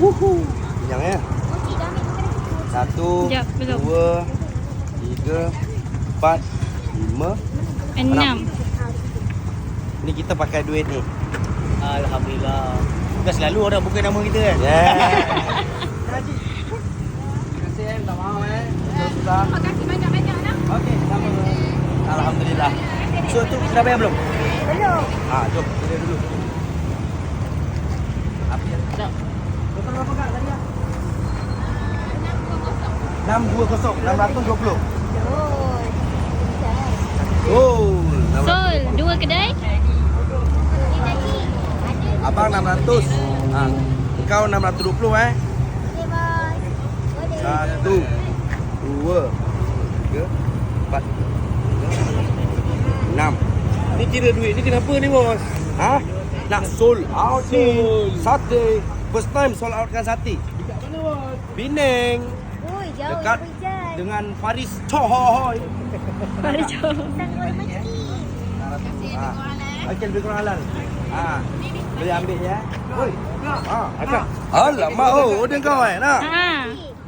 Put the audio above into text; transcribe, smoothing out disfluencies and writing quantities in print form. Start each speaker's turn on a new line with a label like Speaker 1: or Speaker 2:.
Speaker 1: Kenyang ya. Satu,
Speaker 2: Sekejap, belum.
Speaker 1: dua, tiga, empat, lima,
Speaker 2: 6.
Speaker 1: Ni kita pakai duit ni.
Speaker 3: Alhamdulillah. Bukan selalu orang buka nama kita kan?
Speaker 1: Yeah. Terima kasih minta maaf Sudah.
Speaker 4: Terima kasih banyak-banyak nak.
Speaker 1: Okey, sama. Alhamdulillah. So tu dah bayar belum?
Speaker 4: Belum.
Speaker 1: Jom kita dulu. Apa ya? Jap. Total berapa kak tadi? 620. 620. Oh,
Speaker 2: Sol, 2 kedai.
Speaker 1: abang 600. Engkau 620 Satu, dua, tiga, empat, enam.
Speaker 3: Ni kira duit ni kenapa ni bos?
Speaker 1: Nak sold out ni.
Speaker 3: Sold.
Speaker 1: Sate. First time sold out kan sate.
Speaker 3: Dekat mana bos?
Speaker 1: Penang.
Speaker 4: Ui, jauh
Speaker 1: Dekat
Speaker 4: hujan.
Speaker 1: dengan Faris Chohoy.
Speaker 2: Mari jom.
Speaker 4: Sanggul rezeki.
Speaker 1: Okey, lebih kurang halal. Boleh ambil ya. Oi.
Speaker 3: Akak.
Speaker 1: Alamak, oh, order kau nak?
Speaker 2: Ha.